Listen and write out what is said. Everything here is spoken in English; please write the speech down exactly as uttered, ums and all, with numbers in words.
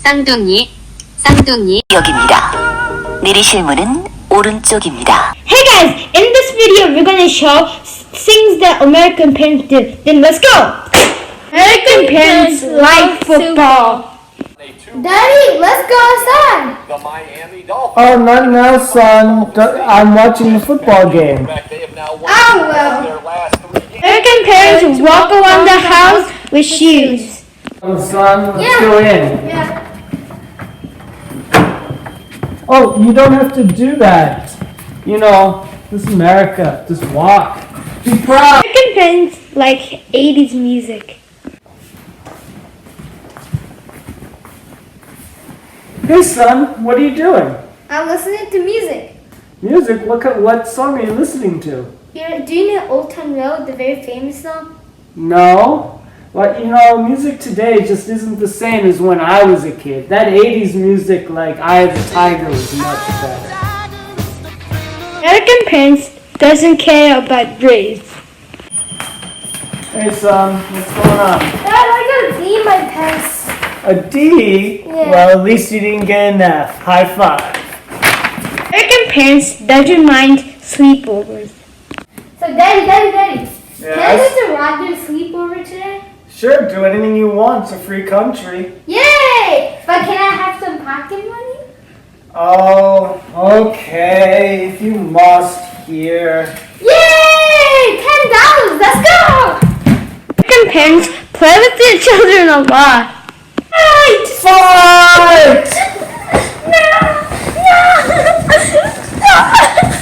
쌍둥이, 쌍둥이. 역입니다. 내리실 문은 오른쪽입니다. Hey guys, in this video we're gonna show things that American parents do. Then let's go! American parents like football. Daddy, let's go outside! The Miami Dolphins. Oh, not now, son. I'm watching the football game. They have now won Oh well. their last three games. American parents walk around the house with shoes. Oh, son, let's Yeah. go in. Yeah. Oh, you don't have to do that. You know, this is America. Just walk. Be proud. American parents like eighties music. Hey, son, what are you doing? I'm listening to music. Music? What kind, what song are you listening to? You know, do you know Old Town Road, the very famous song? No. But, you know, music today just isn't the same as when I was a kid. That eighties music, like Eye of the Tiger, was much better. American parents doesn't care about grades. Hey, son, what's going on? Dad, I got a D in my test. A D? Yeah. Well, at least you didn't get an F. High five. American parents doesn't mind sleepovers. So, Daddy, Daddy, Daddy, Yes? can I go to Rogers sleepover today? Sure, do anything you want. It's a free country. Yay! But can I have some pocket money? Oh, okay. If you must here. Yay! Ten dollars. Let's go! American parents play with their children a lot. Fight! Fight! No! No! No!